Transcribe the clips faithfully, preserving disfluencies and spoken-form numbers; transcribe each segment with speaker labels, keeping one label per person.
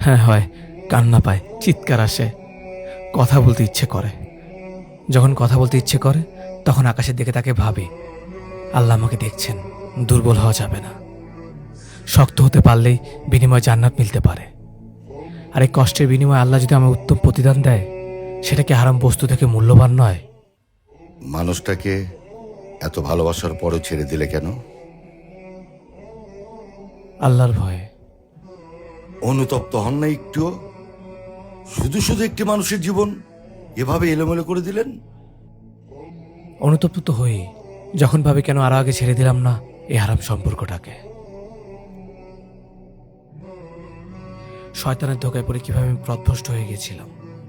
Speaker 1: হ্যাঁ হয়, কান্না পায়, চিৎকার আসে, কথা বলতে ইচ্ছে করে। যখন কথা বলতে ইচ্ছে করে তখন আকাশের দিকে তাকে ভাবি, আল্লাহ আমাকে দেখছেন, দুর্বল হওয়া যাবে না। শক্ত হতে পারলেই বিনিময় জান্নাত মিলতে পারে। আর এই কষ্টের বিনিময়ে আল্লাহ যদি আমায় উত্তম প্রতিদান দেয়, সেটা কি হারাম বস্তু থেকে মূল্যবান নয়?
Speaker 2: মানুষটাকে এত ভালোবাসার পরও ছেড়ে দিলে কেন?
Speaker 1: আল্লাহর ভয়ে।
Speaker 2: অনুতপ্ত হন না একটুও? শুধু শুধু একটি মানুষের জীবন এভাবে এলোমেলো করে দিলেন।
Speaker 1: অনুতপ্ত তো হই, যখন ভাবি কেন আরো আগে ছেড়ে দিলাম না এই হারাম সম্পর্কটাকে। শয়তানের ধোকায় পড়ে কিভাবে আমি পথভ্রষ্ট হয়ে গেছিলাম।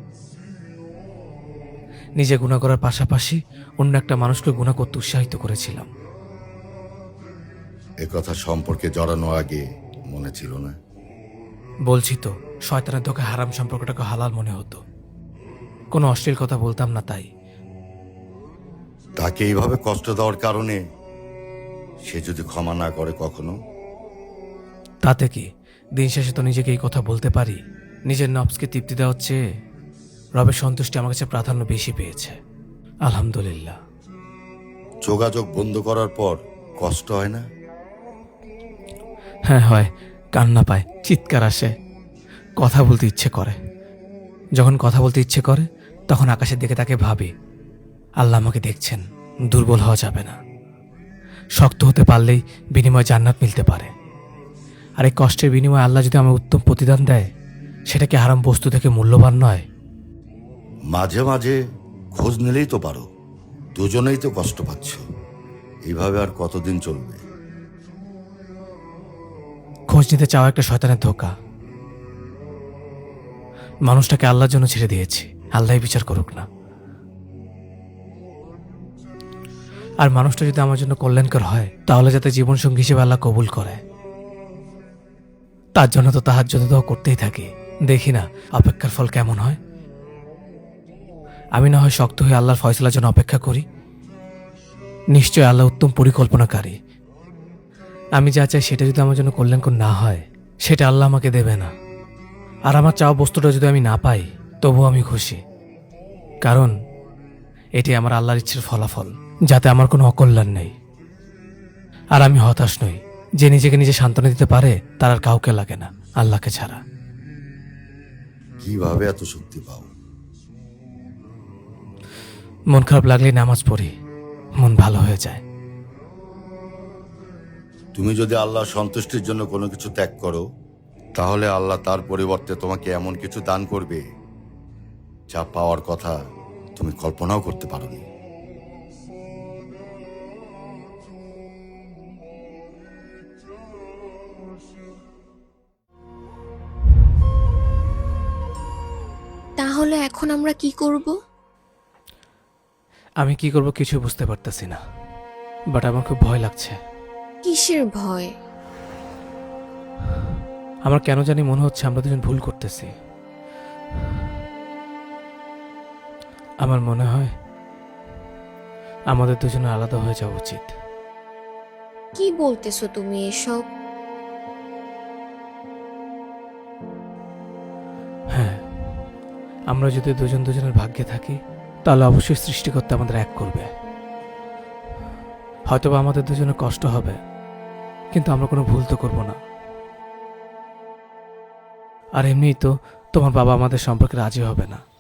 Speaker 1: নিজে গুনাহ করার পাশাপাশি অন্য একটা মানুষকে গুনাহ করতে উৎসাহিত করেছিলাম।
Speaker 2: এ কথা সম্পর্কে জড়ানো আগে মনে ছিল না?
Speaker 1: বলছি তো, শয়তানের ধোকায় হারাম সম্পর্কটাকে হালাল মনে হতো। কোনো অশ্লীল কথা বলতাম না। তাই
Speaker 2: তাকে এইভাবে কষ্ট দেওয়ার কারণে সে যদি ক্ষমা না করে কখনো?
Speaker 1: তাতে কি, দিন শেষে তো নিজেকে এই কথা বলতে পারি, নিজের নফসকে তৃপ্তি দেওয়ার চেয়ে রবের সন্তুষ্টি আমার কাছে প্রাধান্য বেশি পেয়েছে। আলহামদুলিল্লাহ।
Speaker 2: যোগাযোগ বন্ধ করার পর কষ্ট হয় না?
Speaker 1: হ্যাঁ হয়, কান্না পায়, চিৎকার আসে, কথা বলতে ইচ্ছে করে। যখন কথা বলতে ইচ্ছে করে তখন আকাশের দিকে তাকে ভাবি, আল্লাহ আমাকে দেখছেন, দুর্বল হওয়া যাবে না। শক্ত হতে পারলেই বিনিময় জান্নাত মিলতে পারে। আর এই কষ্টের বিনিময়ে আল্লাহ যদি আমায় উত্তম প্রতিদান দেয়, সেটা কি হারাম বস্তু থেকে মূল্যবান নয়?
Speaker 2: মাঝে মাঝে খোঁজ নিলেই তো পারো। দুজনেই তো কষ্ট পাচ্ছ, এইভাবে আর কতদিন চলবে?
Speaker 1: খোঁজ নিতে চাওয়া একটা শয়তানের ধোঁকা। মানুষটাকে আল্লাহর জন্য ছেড়ে দিয়েছি, আল্লাহই বিচার করুক না। আর মানুষটা যদি আমার জন্য কল্যাণকর হয়, তাহলে যাতে জীবনসঙ্গী হিসেবে আল্লাহ কবুল করে। তার জন্য তো তাহাজ্জুদ দোয়া করতেই থাকি, দেখি না অপেক্ষার ফল কেমন হয়। আমি না হয় শক্ত হয়ে আল্লাহর ফয়সালার জন্য অপেক্ষা করি। নিশ্চয় আল্লাহ উত্তম পরিকল্পনাকারী। আমি যা চাই সেটা যদি আমার জন্য কল্যাণকর না হয়, সেটা আল্লাহ আমাকে দেবে না। আর আমার চাওয়া বস্তুটা যদি আমি না পাই, তবুও আমি খুশি, কারণ এটি আমার আল্লাহর ইচ্ছের ফলাফল, যাতে আমার কোনো অকল্যাণ নেই। আর আমি হতাশ নই। যে নিজেকে নিজে সান্ত্বনা দিতে পারে তার আর কাউকে লাগে না, আল্লাহকে ছাড়া।
Speaker 2: কিভাবে এত শক্তি পাও?
Speaker 1: মন খারাপ লাগলেই নামাজ পড়ি, মন ভালো হয়ে যায়।
Speaker 2: তুমি যদি আল্লাহর সন্তুষ্টির জন্য কোনো কিছু ত্যাগ করো, তাহলে আল্লাহ তার পরিবর্তে তোমাকে এমন কিছু দান করবে যা পাওয়ার কথা তুমি কল্পনাও করতে পারোনি।
Speaker 3: তাহলে এখন আমরা কি করব?
Speaker 1: আমি কি করব কিছু বুঝতে পারতেছি না, বাট আমার খুব ভয় লাগছে।
Speaker 3: কিসের ভয়?
Speaker 1: আমার কেন জানি মনে হচ্ছে আমরা দুজন ভুল করতেছি। আমার মনে হয় আমাদের দুজনে আলাদা হয়ে যাওয়া উচিত।
Speaker 3: কি বলতেছো তুমি এসব?
Speaker 1: হ্যাঁ, আমরা যদি দুজন দুজনের ভাগ্যে থাকি, তাহলে অবশ্যই সৃষ্টিকর্তা আমাদের এক করবে। হয়তোবা আমাদের দুজনের কষ্ট হবে, কিন্তু আমরা কোনো ভুল তো করব না। আর এমনিই তো তোমার বাবা আমাদের সম্পর্কে রাজি হবে না।